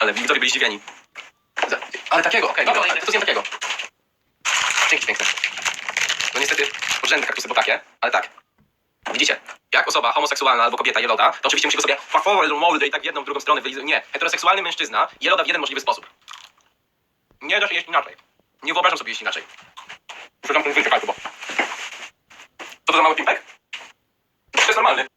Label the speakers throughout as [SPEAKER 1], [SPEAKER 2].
[SPEAKER 1] Ale widzowie byli zdziwieni. Ale takiego, okej, dobra, ale to nie takiego. Dzięki piękne. No niestety, urzędne kaktusy, bo takie, ale tak. Widzicie, jak osoba homoseksualna albo kobieta jeloda, to oczywiście musi go sobie fafowe, moldy i tak w jedną, w drugą stronę wylizać. Nie, heteroseksualny mężczyzna jeloda w jeden możliwy sposób. Nie da się jeść inaczej. Nie wyobrażam sobie jeść inaczej. Muszę tam ten wyjść bo... Co to za mały pimpek? To jest normalny.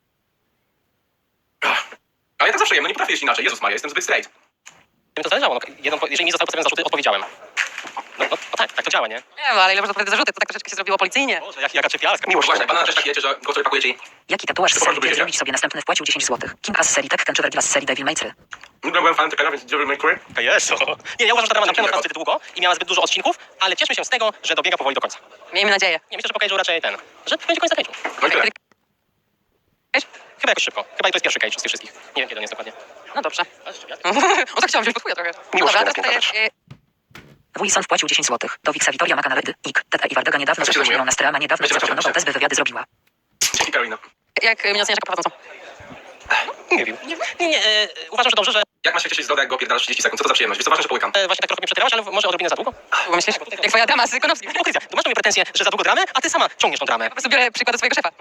[SPEAKER 1] Ale ja tak zawsze jem, no nie potrafię jeść inaczej. Jezus Maria, jestem zbyt straight.
[SPEAKER 2] Mi to zależało, jeżeli mi zostały postawione zarzuty, odpowiedziałem. No tak to działa, nie?
[SPEAKER 3] Nie wiem, ale ile można odpowiedzieć zarzuty, to tak troszeczkę się zrobiło policyjnie.
[SPEAKER 2] Boże, jaka czepialska.
[SPEAKER 1] Miłość, właśnie, banana też tak wiecie, że go sobie pakujecie i...
[SPEAKER 4] Jaki tatuaż z
[SPEAKER 1] To po prostu
[SPEAKER 4] serii
[SPEAKER 1] wiecie?
[SPEAKER 4] zrobić sobie następny wpłacił 10 zł. King Ass z serii Tekken czy Vergila z serii Devil May 3.
[SPEAKER 1] Nigdy byłem fanem Tekkena, więc Devil May Cry.
[SPEAKER 2] Jezu. Nie, ja uważam, że ta ma naprawdę zbyt długo i miała zbyt dużo odcinków, ale cieszmy się z tego, że dobiega powoli do końca.
[SPEAKER 3] Miejmy nadzieję.
[SPEAKER 2] Nie, myślę, że po Cage'u raczej że będzie koniec na Cage'u.
[SPEAKER 1] No i tyle.
[SPEAKER 2] Chyba jakoś szybko. Chyba to jest pierwszy Cage z tych wszystkich. Nie wiem, kiedy on jest dokładnie.
[SPEAKER 3] No dobrze.
[SPEAKER 2] Ale szczepiak.
[SPEAKER 3] O tak chciałam wziąć pod chuja trochę.
[SPEAKER 2] Miłość
[SPEAKER 3] Dobra,
[SPEAKER 2] teraz
[SPEAKER 3] teraz tutaj,
[SPEAKER 4] Wilson wpłacił 10 zł. Do Wiksa Witoria Makanarydy, Ik, Tete i Wardega niedawno
[SPEAKER 1] A co się
[SPEAKER 4] zaprosił
[SPEAKER 1] zajmują?
[SPEAKER 4] na Streama, niedawno
[SPEAKER 1] Wiecie,
[SPEAKER 4] zaproponował
[SPEAKER 1] zobaczyłem.
[SPEAKER 4] test, by wywiady zrobiła.
[SPEAKER 1] Dzięki Karolina.
[SPEAKER 3] jak mnie oceniasz jako prowadzącą?
[SPEAKER 2] Nie wiem. Nie, uważam, że dobrze, że
[SPEAKER 1] Jak masz się cieszyć z loda, jak go opierdalasz 30 sekund? Co to za przyjemność? Wiesz co, ważne, że połykam.
[SPEAKER 2] właśnie tak trochę mnie przerywasz, ale może odrobinę za długo.
[SPEAKER 3] Bo myślisz? Jak twoja dama z Konopskich.
[SPEAKER 2] Hipokryzja. To masz do mnie pretensje, że za długo dramę, a ty sama ciągniesz tą dramę.
[SPEAKER 3] Po prostu biorę przykład od swojego szefa.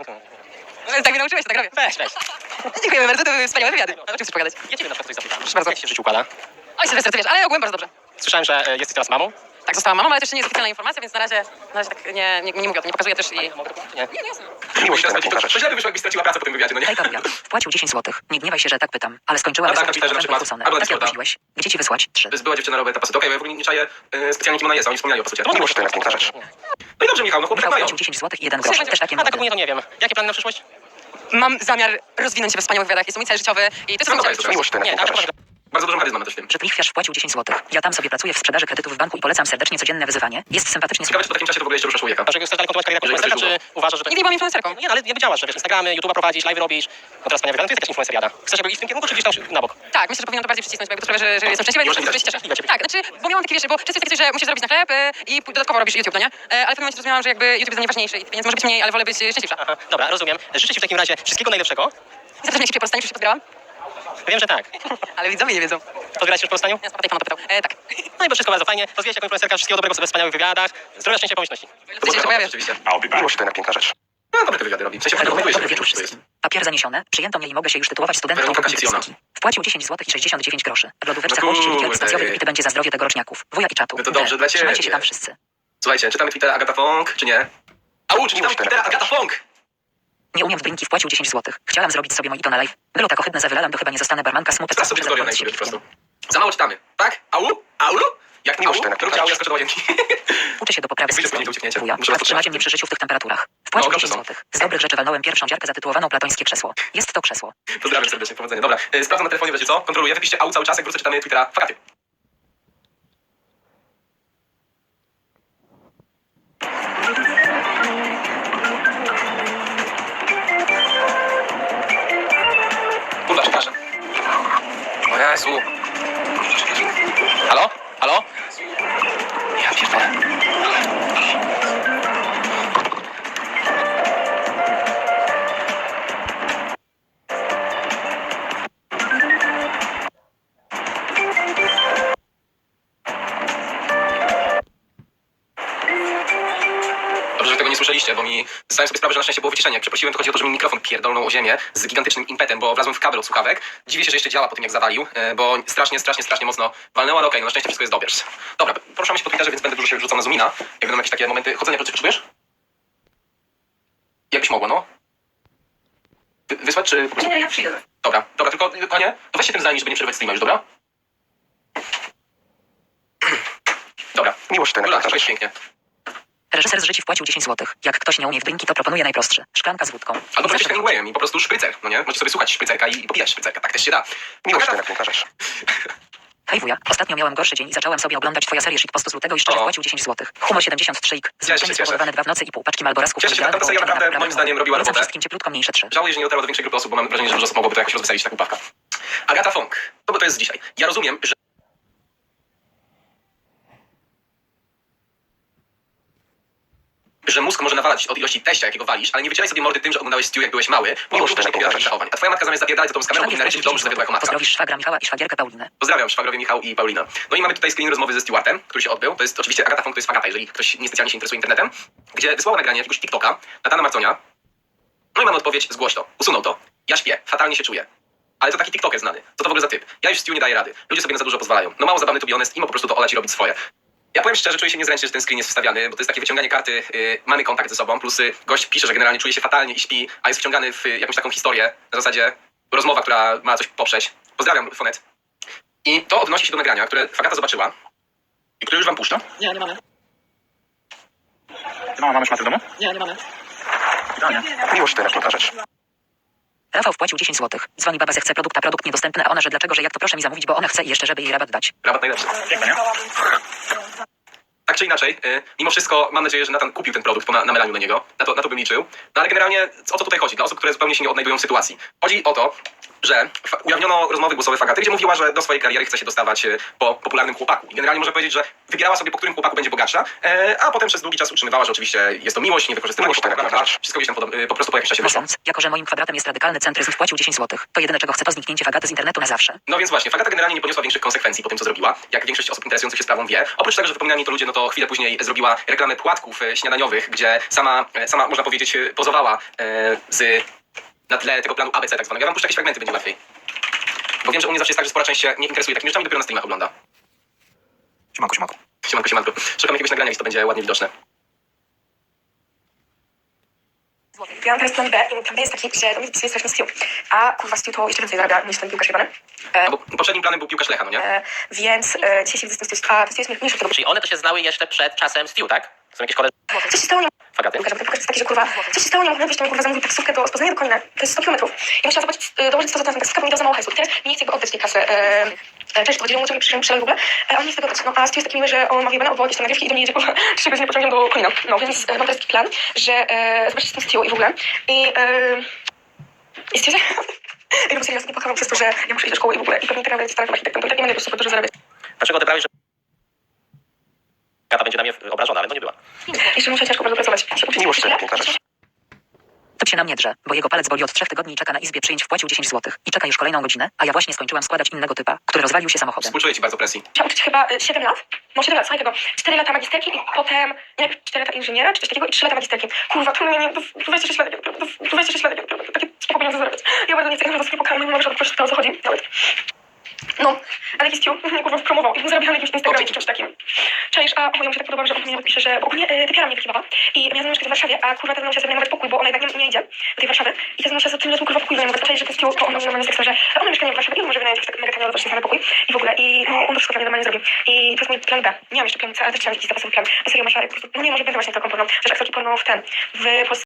[SPEAKER 3] Tak mnie nauczyłeś, to tak robię.
[SPEAKER 2] Weź.
[SPEAKER 3] Dziękujemy bardzo, to były wspaniałe wywiady. O czym chcesz pogadać?
[SPEAKER 2] Ja ciebie na przykład coś zapytam.
[SPEAKER 3] Proszę bardzo.
[SPEAKER 2] Jak się w życiu układa?
[SPEAKER 3] Oj, Sylwester, ty wiesz, ale ogółem bardzo dobrze.
[SPEAKER 2] Słyszałem, że jesteś teraz mamą.
[SPEAKER 3] Tak, zostałam mamą, ale to jeszcze nie jest oficjalna informacja, więc na razie tak nie mówię o tym, nie pokazuję też i...
[SPEAKER 2] Mogę powiedzieć, nie?
[SPEAKER 3] Nie, jasne.
[SPEAKER 1] Miłość teraz to źle by wyszło, jakbyś straciła pracę po tym wywiadzie, no nie?
[SPEAKER 4] Hej Karuja, wpłacił 10 zł. Nie gniewaj się, że tak pytam, ale skończyła
[SPEAKER 1] A tak,
[SPEAKER 4] wysokość
[SPEAKER 1] napisałeś, że na
[SPEAKER 4] Kusone.
[SPEAKER 1] przykład, albo na
[SPEAKER 4] Tak jak
[SPEAKER 1] przykład,
[SPEAKER 4] prosiłeś. Gdzie ci wysłać? 3.
[SPEAKER 1] To jest była dziewczyna Roberta Pasy. Okej, bo ja w ogóle nie czaję specjalnie kim ona jest, a oni wspominali o pasucie.
[SPEAKER 2] To miłość to jest piękna rzecz.
[SPEAKER 1] No i dobrze, Michał, no chłopcy
[SPEAKER 4] Michał
[SPEAKER 1] mają.
[SPEAKER 4] wpłacił 10 zł i 1 grosz. Też takie
[SPEAKER 2] A tak
[SPEAKER 4] mody.
[SPEAKER 2] ogólnie to nie wiem. Jakie plany na przyszłość?
[SPEAKER 3] Mam zamiar rozwinąć się we wspaniałych wywiadach, jest to mój cel życiowy i to jest
[SPEAKER 1] No
[SPEAKER 3] mój
[SPEAKER 1] dobra,
[SPEAKER 3] cel
[SPEAKER 1] jest
[SPEAKER 3] życiowy.
[SPEAKER 1] miłość
[SPEAKER 2] Nie, tak,
[SPEAKER 1] Bardzo dużą charyzmę też w tym.
[SPEAKER 4] Że Lichwiarz wpłacił 10 zł. Ja tam sobie pracuję w sprzedaży kredytów w banku i polecam serdecznie codzienne wyzywanie. Jest sympatycznie.
[SPEAKER 1] Ciekawe, czy po takim czasie to w ogóle jeszcze ruszasz człowieka.
[SPEAKER 2] Dlaczego chcesz dalej kontynuować karierę jako influencera, czy uważasz, że to...
[SPEAKER 3] Nigdy nie byłam influencerką.
[SPEAKER 2] Nie, ale jakby działasz, że wiesz, Instagramy, YouTube'a prowadzisz, live robisz, no teraz wspaniale wygląda, to jest jakaś influenceriada. Chcesz jakby iść w tym kierunku, czy gdzieś tam na bok?
[SPEAKER 3] Tak, myślę, że powinnam to bardziej przycisnąć, bo jakby to sprawia, że jestem szczęśliwa i
[SPEAKER 1] Może
[SPEAKER 3] że
[SPEAKER 1] widać.
[SPEAKER 3] się cieszę.
[SPEAKER 2] Widać ciebie.
[SPEAKER 3] Tak, znaczy, bo miałam takie, wiesz, bo często jest takie coś, że musisz zarobić na chleb i dodatkowo robisz YouTube, no nie? Ale w pewnym momencie zrozumiałam, że jakby YouTube jest najważniejszy i pieniędzy może być mniej, ale wolę być szczęśliwsza.
[SPEAKER 2] Aha, dobra, rozumiem. Życzę ci w takim razie wszystkiego najlepszego.
[SPEAKER 3] Zaraz mnie się po już się podbierałam,
[SPEAKER 2] Wiem, że tak.
[SPEAKER 3] ale widzowie nie wiedzą.
[SPEAKER 2] Podbierasz się już po rozstaniu?
[SPEAKER 3] Ja tutaj pan pytał. Tak.
[SPEAKER 2] No i bo wszystko bardzo fajnie. Rozwijaj się jako influencerka, wszystkiego dobrego sobie we wspaniałych wywiadach. Zdrowia, szczęścia, pomyślności.
[SPEAKER 1] To
[SPEAKER 3] się pojawię.
[SPEAKER 1] oczywiście.
[SPEAKER 5] Miłość to jedna piękna rzecz.
[SPEAKER 1] No, dobre te wywiady robi. W sensie,
[SPEAKER 4] Dobry,
[SPEAKER 1] dokumentuje się,
[SPEAKER 4] dobry wieczór
[SPEAKER 1] to jest.
[SPEAKER 4] wszystkim. Papier zaniesione. Przyjęto mnie i mogę się już tytułować studentką
[SPEAKER 1] Weronika
[SPEAKER 4] publicystyki.
[SPEAKER 1] Kasiona.
[SPEAKER 4] Wpłacił 10 zł i 69 groszy. W lodóweczce
[SPEAKER 1] No
[SPEAKER 4] kości likier
[SPEAKER 1] kurde.
[SPEAKER 4] stacjowy wypity będzie za zdrowie tegoroczniaków. Wuja i czatu.
[SPEAKER 1] No to dobrze dla ciebie.
[SPEAKER 4] Trzymajcie się tam wszyscy.
[SPEAKER 1] Słuchajcie, czytamy Twittera Agata Fong, czy nie? Au, czytamy Twittera Agata Fong!
[SPEAKER 4] Nie umiem w drinki, wpłacił 10 zł. Chciałam zrobić sobie mojito na live. Było tak ohydne, zawylalam, to chyba nie zostanę barmanka, smutek.
[SPEAKER 1] Sprawdź sobie historię na YouTube po prostu. Za mało czytamy, tak? Au? Au? Jak
[SPEAKER 5] Miłość
[SPEAKER 1] au?
[SPEAKER 5] to
[SPEAKER 1] Róbcie au, ja skoczę do łazienki.
[SPEAKER 4] Uczę się do poprawy
[SPEAKER 1] Jak wyjdzie
[SPEAKER 4] systemu.
[SPEAKER 1] z ucieknięcia.
[SPEAKER 4] Wuja,
[SPEAKER 1] Muszę was
[SPEAKER 4] trzymacie mnie przy życiu w tych temperaturach. Wpłacił
[SPEAKER 1] No,
[SPEAKER 4] 10
[SPEAKER 1] dobrze
[SPEAKER 4] zł. Z dobrych rzeczy walnąłem pierwszą dziarkę zatytułowaną Platońskie krzesło. Jest to krzesło.
[SPEAKER 1] Pozdrawiam serdecznie, powodzenia. Dobra, sprawdzam na telefonie, wiecie co? Kontroluję, wypiszcie au cały czas, jak wrócę czytamy Twittera Fakaty. Kurwa, przepraszam. O Jezu. Halo? Halo? Ja pierdolę. Dobrze, że tego nie słyszeliście, bo mi zdałem sobie sprawę, że na szczęście było wyciszenie. Jak przeprosiłem, to chodzi o to, że mi mikrofon pierdolnął o ziemię z gigantycznym impetem, bo wlazłem w kabel od słuchawek. Dziwię się, że jeszcze działa po tym, jak zawalił, bo strasznie mocno walnęło, ale okej, no na szczęście wszystko jest dobrze. Dobra, poruszamy się po Twitterze, więc będę dużo się wrzucał na Zoomina. Jak będą jakieś takie momenty chodzenia, potrzebujesz? Jakbyś mogła, no? Wysłać, czy...
[SPEAKER 3] Nie, ja przyjdę.
[SPEAKER 1] Dobra, tylko, kochanie, to weź się tym zajmij, żeby nie przerywać streama już, dobra? Dobra.
[SPEAKER 5] Miłość to jedna
[SPEAKER 1] Dobra,
[SPEAKER 5] piękna
[SPEAKER 1] to jest
[SPEAKER 5] rzecz.
[SPEAKER 1] pięknie.
[SPEAKER 4] Reżyser z życi wpłacił 10 zł. Jak ktoś nie umie w drinki, to proponuje najprostszy. Szklanka z wódką.
[SPEAKER 1] Albo
[SPEAKER 4] Zawsze
[SPEAKER 1] przecież Hemingwayem i po prostu szprycer, no nie? Możecie sobie słuchać szprycerka i popijać szprycerka, tak też się da.
[SPEAKER 5] Miłość to
[SPEAKER 1] Agata,
[SPEAKER 5] jedna piękna rzecz.
[SPEAKER 4] Hej wuja, ostatnio miałem gorszy dzień i zacząłem sobie oglądać twoją serię shitpostu z lutego i szczerze
[SPEAKER 1] O.
[SPEAKER 4] wpłacił 10 zł. Humor 73 ik.
[SPEAKER 1] Cieszę się,
[SPEAKER 4] Zwyczajnie
[SPEAKER 1] cieszę.
[SPEAKER 4] spowodowane 2 w nocy i pół paczki malborasków.
[SPEAKER 1] Cieszę się,
[SPEAKER 4] idealne
[SPEAKER 1] ta seria
[SPEAKER 4] połączenie
[SPEAKER 1] naprawdę,
[SPEAKER 4] na
[SPEAKER 1] moim zdaniem, robiła
[SPEAKER 4] Polecam
[SPEAKER 1] robotę.
[SPEAKER 4] wszystkim cieplutko mniejsze 3.
[SPEAKER 1] Żałuję, że nie dotarło do większej grupy osób, bo mam wrażenie, że dużo osób mogłoby to jakoś rozweselić, ta głupawka. Agata Fong. To jest dzisiaj. Ja rozumiem, że... że mózg może nawalać od ilości teścia, jakiego walisz, ale nie wycieraj sobie mordy tym, że oglądałeś Stew, jak byłeś mały, mimo że popierasz takich zachowań. A twoja matka zamiast zapierdalać za tobą z kamerą powinna ryczyć w domu, że zawiodła jako matka.
[SPEAKER 4] Pozdrowisz szwagra Michała i szwagierkę Paulinę.
[SPEAKER 1] Pozdrawiam szwagrowie Michał i Paulina. No i mamy tutaj screen rozmowy ze Stewartem, który się odbył. To jest oczywiście Agata Fong, to jest Agata, jeżeli ktoś niespecjalnie się interesuje internetem, gdzie wysłała nagranie jakiegoś TikToka Natana Marconia. No i mamy odpowiedź, zgłoś to, usunął to. Ja śpię, fatalnie się czuję. Ale to taki TikToker znany. Co to w ogóle za typ? Ja już Stew nie daję rady. Ludzie sobie na za dużo pozwalają. No mało zabawny to be honest i po prostu to olać i robić swoje. Ja powiem szczerze, czuję się niezręcznie, że ten screen jest wstawiany, bo to jest takie wyciąganie karty, mamy kontakt ze sobą, plus gość pisze, że generalnie czuje się fatalnie i śpi, a jest wciągany w jakąś taką historię, na zasadzie rozmowa, która ma coś poprzeć. Pozdrawiam, Fonet. I to odnosi się do nagrania, które Fagata zobaczyła i które już wam puszczam.
[SPEAKER 3] Nie, nie mamy.
[SPEAKER 5] Ty mamy szmaty w domu?
[SPEAKER 3] Nie, nie mamy.
[SPEAKER 5] Idealnie. Miłość to najlepsza rzecz.
[SPEAKER 4] Rafał wpłacił 10 zł. Dzwoni baba, że chce produkt, a produkt niedostępny, a ona, że dlaczego, że jak to proszę mi zamówić, bo ona chce i jeszcze, żeby jej rabat dać.
[SPEAKER 1] Rabat najlepszy.
[SPEAKER 5] Piękne, nie?
[SPEAKER 1] Tak czy inaczej, mimo wszystko mam nadzieję, że Nathan kupił ten produkt po namelaniu na niego. Na to bym liczył. No ale generalnie o co tutaj chodzi? Dla osób, które zupełnie się nie odnajdują w sytuacji. Chodzi o to, że ujawniono rozmowy głosowe Fagaty, gdzie mówiła, że do swojej kariery chce się dostawać po popularnym chłopaku. I generalnie można powiedzieć, że wybierała sobie, po którym chłopaku będzie bogatsza, a potem przez długi czas utrzymywała, że oczywiście jest to miłość, nie wykorzystywanie
[SPEAKER 5] Miłość to
[SPEAKER 1] chłopaka,
[SPEAKER 5] najlepsza rzecz.
[SPEAKER 1] wszystko gdzieś tam po prostu po jakimś czasie wyszło.
[SPEAKER 4] Myśląc, jako że moim kwadratem jest radykalny centryzm, wpłacił 10 zł. To jedyne, czego chce, to zniknięcie Fagaty z internetu na zawsze.
[SPEAKER 1] No więc właśnie, Fagata generalnie nie poniosła większych konsekwencji po tym, co zrobiła, jak większość osób interesujących się sprawą wie. Oprócz tego, że wypominali to ludzie, no to chwilę później zrobiła reklamę płatków śniadaniowych, gdzie sama można powiedzieć, pozowała na tle tego planu ABC tak zwanego. Ja wam puszczę jakieś fragmenty, będzie łatwiej. Bo wiem, że u mnie zawsze jest tak, że spora część się nie interesuje takimi rzeczami, dopiero na streamach ogląda.
[SPEAKER 5] Siemanko, siemanko.
[SPEAKER 1] Siemanko. Szukam jakiegoś nagrania, więc to będzie ładnie widoczne.
[SPEAKER 6] Ja mam teraz plan B i plan B jest taki, że do mnie jest straszny Stew. A kurwa Stew to jeszcze więcej zarabia niż ten piłkarz jebany.
[SPEAKER 1] No bo poprzednim planem był piłkarz Lecha, no nie?
[SPEAKER 6] Więc dzisiaj się widzę z tym Stew. A ten Stew jest mniejszy od tego.
[SPEAKER 2] Czyli one to się znały jeszcze przed czasem Stew, tak? Są jakieś koleżanki
[SPEAKER 6] Co się stało? Nie
[SPEAKER 2] Fagaty?
[SPEAKER 6] Pokażę, bo ten pokaz jest taki, że kurwa, co się stało? Nie mogłem wyjść, to mi kurwa zamówił taksówkę do Poznania do Konina. To jest 100 km. Ja musiałam zobaczyć, dołożyć 100 zł na taksówkę, bo mi dał za mało hajsu. I teraz mi nie chce jakby oddać tej kasy. Cześć, powiedział mu, co mi przyszedł w ogóle, a on nie chce tego oddać. No a Stew jest taki miły, że on ma wyjebane odwołać tam nagrywki i do mnie jedzie kurwa 3 godziny pociągiem do Konina. No więc mam teraz taki plan, że zobaczyć z tym Stew i w ogóle. I stwierdzę, ja bym serio nie płakałam przez to, że ja muszę iść do szkoły i w ogóle i pewnie teraz starym architektem, to i tak nie będę po prostu dużo zarabiać.
[SPEAKER 2] Dlaczego odebrałeś, że Agata będzie na mnie obrażona, ale no nie była.
[SPEAKER 6] Jeszcze muszę ciężko bardzo pracować.
[SPEAKER 5] Miłość to piękna rzecz.
[SPEAKER 4] To się na mnie drze, bo jego palec boli od 3 tygodni i czeka na izbie przyjęć, wpłacił 10 zł. I czeka już kolejną godzinę, a ja właśnie skończyłam składać innego typa, który rozwalił się samochodem.
[SPEAKER 1] Współczuję ci bardzo presji.
[SPEAKER 6] Musiałam uczyć chyba 7 lat. No 7 lat, słuchaj tego. 4 lata magisterki i potem najpierw 4 lata inżyniera, czy coś takiego i 3 lata magisterki. Kurwa, to mnie to 26 lat, to 26 lat, takie spoko pieniądze zarabiać. Ja bardzo nie chcę, że to nie pokażę, nie mogę, że to o co chodzi nawet. No, ale jakiś Stew mnie kurwa promował i zarabiał na jakimś Instagramie czy czymś takim. Czaisz, a mu się tak podoba, że on mnie pisze, że bo ogólnie typiara mnie wykiwała i miała ze mną mieszkać w Warszawie, a kurwa teraz musiała sobie nawet pokój, bo ona jednak nie idzie do tej Warszawy i teraz musiała sobie tym razem kurwa pokój wynajmować. Czaisz, że ten Stew, to on na mnie seksa, że ona ma mieszkanie w Warszawie i on może wynająć jakiś tak mega tanio właśnie pokój i w ogóle i no, on to wszystko dla mnie normalnie zrobi. I to jest mój plan B. Nie mam jeszcze planu C, ale też chciałam jakiś zapasowy plan. Bo serio, Masza, po prostu, no nie może być właśnie taką porną, że aktorki porno w Polsce